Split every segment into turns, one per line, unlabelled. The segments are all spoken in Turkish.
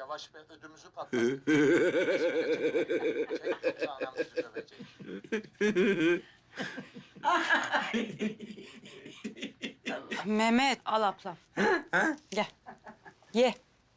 Yavaş be, ödümüzü patlat. Yoksa anam bizi dövecek.
Mehmet al ablam. Gel. Ye.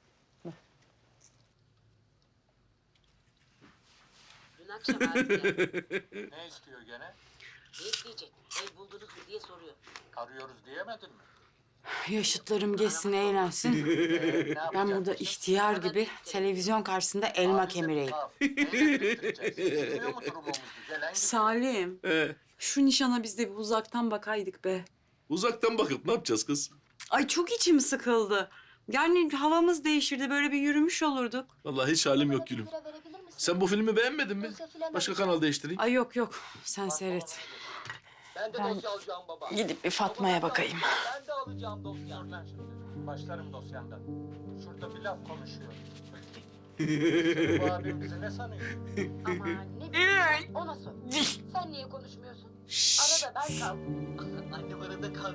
Dün akşam abi
Ne istiyor gene?
ne isteyecek? Ev buldunuz mu diye soruyor.
Arıyoruz diyemedin mi?
Yaşıtlarım geçsin, eğlensin.
Ne
Ben
yapacak
burada
kızım?
ihtiyar gibi televizyon karşısında elma
Abimize
kemireyim.
bir kaf. Neyle biriktireceğiz? Bilmiyor mu durumumuzu? Gelen gidiyor.
Salim, şu nişana biz de bir uzaktan bakaydık be.
Uzaktan bakıp ne yapacağız kız?
Ay çok içim sıkıldı. Yani havamız değişirdi, böyle bir yürümüş olurduk.
Vallahi hiç halim yok gülüm. Sen bu filmi beğenmedin mi? Başka kanal değiştireyim.
Ay yok yok, sen seyret.
Ben de dosya alacağım baba.
Gidip bir Fatma'ya bakayım.
Ben de alacağım dosya. Dur lan şimdi. Başlarım dosyandan. Şurada bir laf konuşuyoruz. Bu abim bizi ne sanıyor?
Aman ne bileyim. Ona sor. Sen niye konuşmuyorsun? Arada ben kaldım. Annem arada kaldı.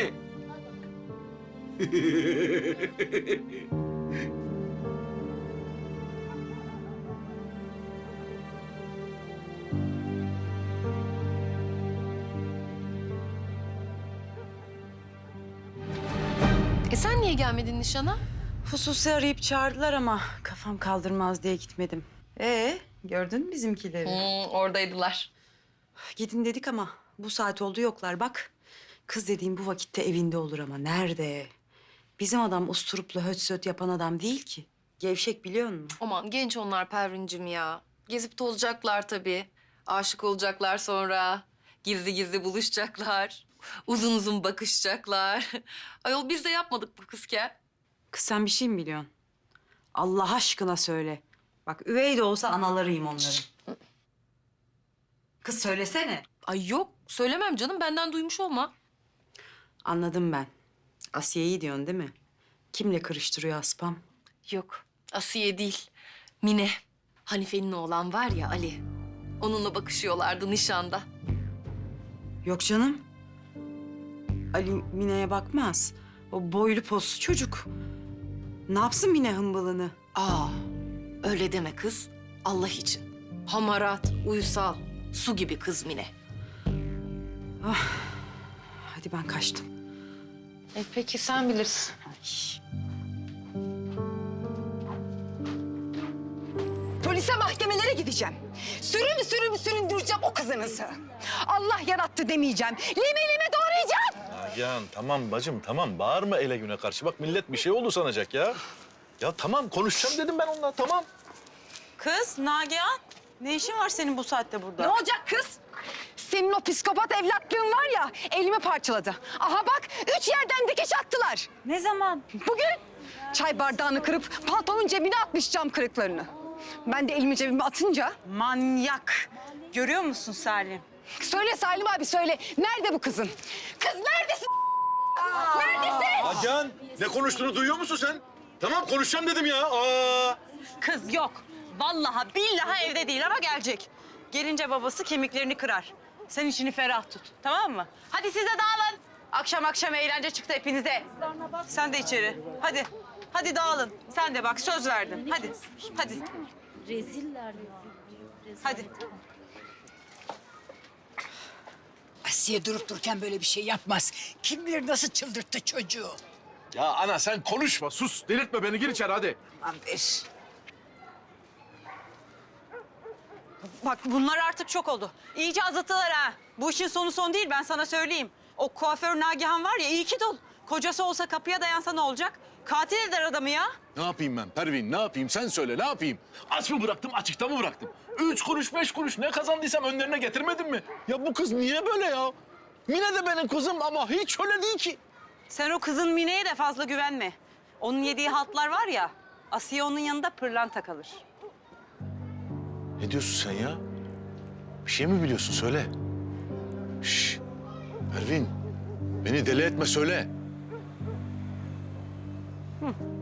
Sen niye gelmedin nişana?
Hususi arayıp çağırdılar ama kafam kaldırmaz diye gitmedim. Gördün mü bizimkileri?
Oradaydılar.
Gidin dedik ama bu saat oldu yoklar bak. Kız dediğim bu vakitte evinde olur ama nerede? Bizim adam usturuplu höt söt yapan adam değil ki. Gevşek biliyor musun?
Aman genç onlar Pervin'cim ya. Gezip tozacaklar tabii. Aşık olacaklar sonra. Gizli gizli buluşacaklar. Uzun uzun bakışacaklar. Ayol biz de yapmadık bu kızken.
Kız sen bir şey mi biliyorsun? Allah aşkına söyle. Bak üvey de olsa analarıyım onların. Kız söylesene.
Ay yok söylemem canım benden duymuş olma.
Anladım ben. Asiye'yi diyorsun değil mi? Kimle karıştırıyor Aspam?
Yok Asiye değil. Mine. Hanife'nin oğlan var ya Ali. Onunla bakışıyorlardı nişanda.
Yok canım. Ali Mine'ye bakmaz. O boylu poslu çocuk. Ne yapsın Mine hımbılını?
Aa, öyle deme kız. Allah için. Hamarat, uysal, su gibi kız Mine.
Hadi ben kaçtım.
Peki sen bilirsin.
Polise, mahkemelere gideceğim. Süründüreceğim o kızınızı. Allah yarattı demeyeceğim. Lime lime doğrayacağım.
Nagihan tamam bacım tamam bağırma ele güne karşı. Bak millet bir şey oldu sanacak ya. Ya tamam konuşacağım dedim ben onunla tamam.
Kız Nagihan, ne işin var senin bu saatte burada?
Ne olacak kız? Senin o psikopat evlatlığın var ya, elimi parçaladı. Aha bak, 3 yerden dikiş attılar.
Ne zaman?
Bugün çay bardağını kırıp paltonun cebine atmış cam kırıklarını. Ben de elimi cebime atınca...
Manyak. Görüyor musun Salim?
Söyle Salim abi söyle, nerede bu kızın? Kız neredesin? Neredesin?
Nagihan ne konuştuğunu duyuyor musun sen? Tamam konuşacağım dedim ya. Aa.
Kız yok. Vallahi billahi evde değil ama gelecek. Gelince babası kemiklerini kırar. Sen içini ferah tut, tamam mı? Hadi siz de dağılın. Akşam eğlence çıktı hepinize. Sen de içeri. Hadi. Hadi dağılın. Sen de bak söz verdin. Hadi. Hadi.
Reziller
Hadi.
Asiye durup dururken böyle bir şey yapmaz. Kim bilir nasıl çıldırttı çocuğu.
Ya ana sen konuşma sus delirtme beni gir içeri hadi.
Aman ver.
Bak bunlar artık çok oldu. İyice azıttılar ha. Bu işin sonu son değil ben sana söyleyeyim. O kuaför Nagihan var ya iyi ki dul. Kocası olsa kapıya dayansa ne olacak? Katil eder adamı ya.
Ne yapayım ben Pervin ne yapayım sen söyle ne yapayım? Aç mı bıraktım açıkta mı bıraktım? 3 kuruş 5 kuruş ne kazandıysam önlerine getirmedim mi? Ya bu kız niye böyle ya? Mine de benim kızım ama hiç öyle değil ki.
Sen o kızın Mine'ye de fazla güvenme. Onun yediği haltlar var ya, Asiye onun yanında pırlanta kalır.
Ne diyorsun sen ya? Bir şey mi biliyorsun söyle. Şş, Pervin beni deli etme söyle.